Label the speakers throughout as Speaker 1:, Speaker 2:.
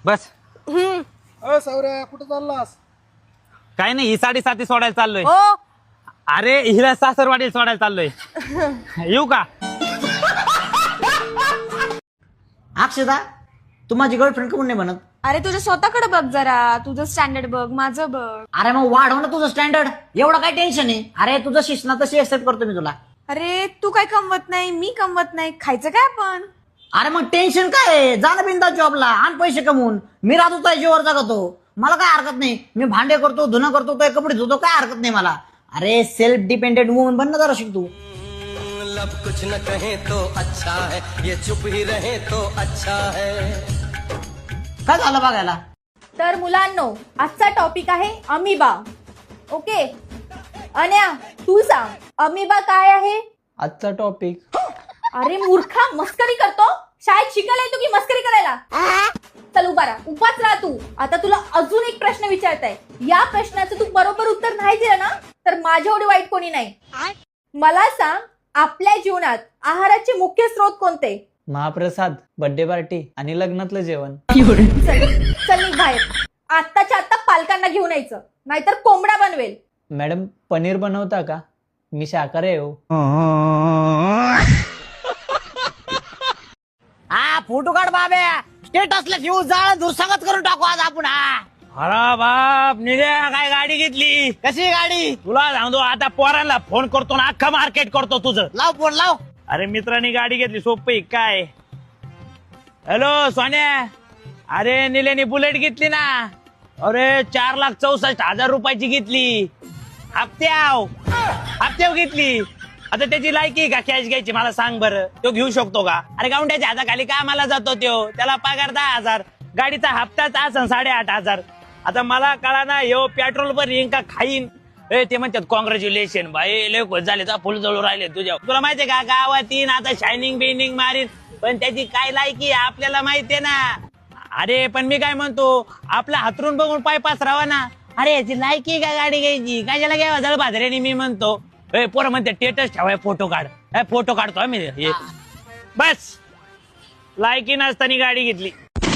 Speaker 1: बस.
Speaker 2: सावऱ्या कुठं चाललास?
Speaker 1: काय नाही, ही 7:30 सोडायला चाललोय.
Speaker 3: हो.
Speaker 1: अरे हिला सासरवाडीला सोडायला चाललोय. येऊ का?
Speaker 4: अक्षदा, तू माझी गर्लफ्रेंड कमून नाही बनत?
Speaker 3: अरे तुझ्या स्वतःकडे बघ जरा, तुझं स्टँडर्ड बघ, माझं बघ.
Speaker 4: अरे मग वाढव ना तुझं स्टँडर्ड. एवढं काय टेन्शन आहे? अरे तुझं शिक्षण तशी एक्सेप्ट करतो मी तुला.
Speaker 3: अरे तू काय कमवत नाही, मी कमवत नाही, खायचं काय आपण?
Speaker 4: अरे मग टेन्शन काय आहे? जा ना बिंदा जॉबला आण पैसे कमवून. मी राहतो त्या जीवर जगतो, मला काय हरकत नाही. मी भांडे करतो, धुणं करतो, तो कपडे धुतो, काय हरकत नाही मला. अरे सेल्फ डिपेंडेंट वुमन बन ना जरा शिक तू.
Speaker 5: लब कुछ न कहे तो अच्छा है, ये चुप ही रहे तो अच्छा है.
Speaker 4: काय झालं बघायला?
Speaker 3: तर मुलांनो, आजचा टॉपिक आहे अमिबा. ओके अन्या, तू सांग अमिबा काय आहे?
Speaker 6: आजचा टॉपिक.
Speaker 3: अरे मूर्खा, मस्करी करतो? शाळेत शिकायला येतो की मस्करी करायला? चल उभा राहा, उभाच राहा तू. आता तुला अजून एक प्रश्न विचारताय. या प्रश्नाचं तू बरोबर उत्तर नाही दिलं ना तर माझ्या एवढी वाईट कोणी नाही. मला सांग, आपल्या जीवनात आहाराचे मुख्य स्रोत कोणते?
Speaker 6: महाप्रसाद, बर्थडे पार्टी आणि लग्नातलं जेवण.
Speaker 3: चल निघ बाहेर. आत्ताच्या आत्ता पालकांना घेऊन यायचं, नाहीतर कोंबडा बनवेल.
Speaker 6: मॅडम, पनीर बनवता का? मी शाकाहारी आहे हो.
Speaker 4: हा फोटो काढ बाबे. स्टेटसला घेऊ जाळ दुसंगत करून टाकू आज आपण. हा
Speaker 1: अरे बाप, निघ्या काय गाडी घेतली?
Speaker 4: कशी गाडी?
Speaker 1: तुला सांगतो, आता पोरांना फोन करतो ना, अख्खा मार्केट करतो तुझं.
Speaker 4: लाव फोन लाव.
Speaker 1: अरे मित्रांनी गाडी घेतली, सोपी काय? हॅलो सोन्या, अरे निलेनी बुलेट घेतली ना. अरे 4,64,000 रुपयाची घेतली. हप्त्याव घेतली. आता त्याची लायकी का कॅश घ्यायची मला सांग बरं? तो घेऊ शकतो का? अरे गावंड्याच्या हाताखाली कामाला जातो तो, त्याला पगार 10,000, गाडीचा हप्ताच असन 8,500. आता मला कळा ना, यो पेट्रोल पण येईन का खाईन. ते म्हणतात कॉंग्रॅच्युलेशन भाई, लय खुश झाले, फुल जळू राहिले तुझ्या. तुला माहितीये का, गावात येईन आता शायनिंग बिनिंग मारीन, पण त्याची काय लायकी आपल्याला माहितीये ना. अरे पण मी काय म्हणतो, आपला हातरून बघून पाय पसरावा ना. अरे याची लायकी का गाडी घ्यायची? कशाला घ्यावा जळ बाजऱ्याने? मी म्हणतो पोरं म्हणते टेटस ठेवाय, फोटो काढ. फोटो काढतो आम्ही. बस लायकी नसताना गाडी घेतली.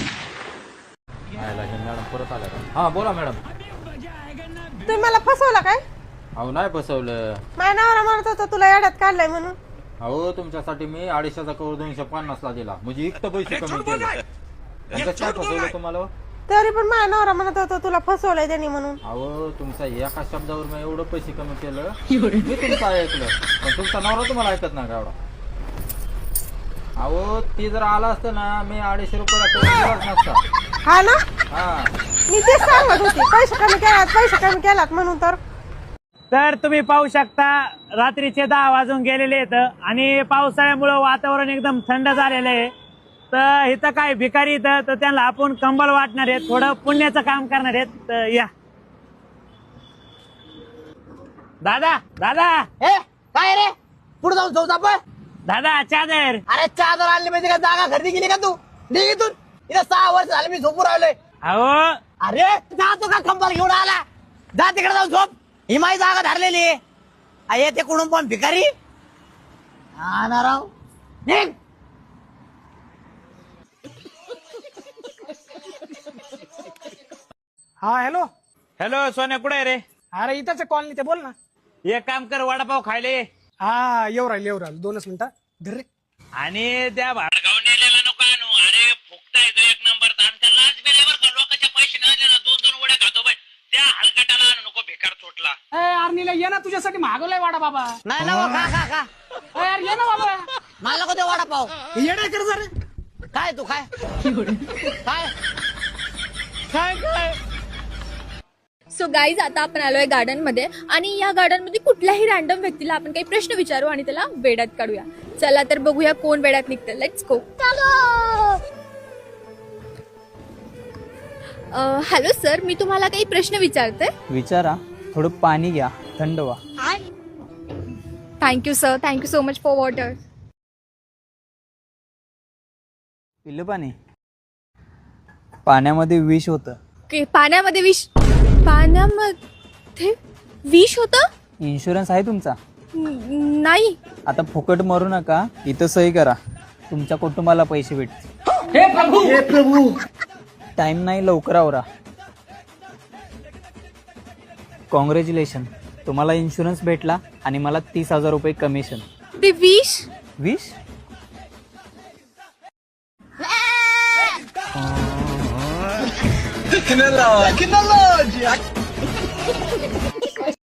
Speaker 7: परत आला का? हा बोला मॅडम.
Speaker 8: तुम्ही मला फसवला काय?
Speaker 7: अहो नाही फसवलं.
Speaker 8: माझ्या नावाला म्हणत होता तुला येड्यात काढलाय म्हणून.
Speaker 7: अहो तुमच्यासाठी मी 250चा कवर 250ला दिला, म्हणजे एक तर पैसे कमी केले. काय फसवलं तुम्हाला?
Speaker 8: तरी पण माझ्या नवरा म्हणत होता तुला फसवलंय त्यांनी म्हणून.
Speaker 7: अहो तुमच्या एका शब्दावर मी एवढं पैसे कमी केलं, मी तुमचं ऐकलं, पण तुमचा नवरा तुम्हाला ऐकत नाही का एवढा? अहो ती जर आला असतं ना, मी 250 रुपयाला नसता.
Speaker 8: हा ना,
Speaker 7: हा
Speaker 8: मी तेच सांगत होती, पैसे कमी केलात म्हणून.
Speaker 1: तर तुम्ही पाहू शकता, रात्रीचे 10 वाजून गेलेले आहेत आणि पावसाळ्यामुळे वातावरण एकदम थंड झालेलं आहे. तर इथं काय भिकारी इथं, तर त्यांना आपण कंबल वाटणार आहेत, थोडं पुण्याचं काम करणार आहेत. तर या दादा. दादा
Speaker 4: काय रे? पुढे जाऊन जाऊ आपण.
Speaker 1: दादा चादर.
Speaker 4: अरे चादर आणली म्हणजे काय जागा खरेदी केली का तू? निघितून. इथं 6 वर्ष झाले मी झोपून राहिलोय.
Speaker 1: अहो
Speaker 4: अरे जातो का कंबल घेऊन आला? जा तिकडे जाऊन झोप. ही माझी जागा धरलेली आहे. येते कोणून पण भिकारी. हा ना राव. निघ.
Speaker 2: हा हॅलो.
Speaker 1: हॅलो सोन्या, कुठे आहे रे?
Speaker 2: अरे इथंच कॉलनी ते, बोल ना.
Speaker 1: एक काम कर, वडापाव खायले.
Speaker 2: हा येऊ राहिलो 2च मिनिटं. धर रे.
Speaker 1: आणि त्या भाडगाव नेलेला नको आणू. अरे फुकटा येतो एक नंबर. आमच्या लाच बेल्यावर का लोकांच्या पैसे नाही ना, 2-2 वड्या खातो बाई. त्या हलकटाला आणू नको, बेकार चोटला.
Speaker 2: आर्नीला ये ना, तुझ्यासाठी मागवलाय वाडा बाबा.
Speaker 4: नाही ना खा खा खा.
Speaker 2: यार ये ना बाबा.
Speaker 4: मला नको ते वडापाव.
Speaker 2: येडा कर जरा.
Speaker 4: काय तू काय काय
Speaker 2: काय काय
Speaker 3: सो गाईज, आता आपण आलोय गार्डन मध्ये आणि या गार्डन मध्ये कुठल्याही रॅन्डम व्यक्तीला आपण काही प्रश्न विचारू आणि त्याला वेड्यात काढूया. चला तर बघूया कोण वेड्यात निघतं. Let's go. हॅलो सर, मी तुम्हाला काही प्रश्न विचारते.
Speaker 6: विचारा. थोडं पाणी घ्या, थंड व्हा.
Speaker 3: Thank you sir, thank you so much for water.
Speaker 6: पिलं पाणी. पाण्यामध्ये विष होतं.
Speaker 3: पाण्यामध्ये विष? पाण्यामध्ये विष होतं?
Speaker 6: इन्शुरन्स आहे तुमचा?
Speaker 3: नाही.
Speaker 6: आता फुकट मरू नका, इथं सही करा, तुमच्या कुटुंबाला पैसे भेटतील.
Speaker 2: हे प्रभू
Speaker 6: टाइम नाही, लवकर आवरा. कॉंग्रॅच्युलेशन, तुम्हाला इन्शुरन्स भेटला आणि मला 30,000 रुपये कमिशन.
Speaker 8: ते 20?
Speaker 6: 20?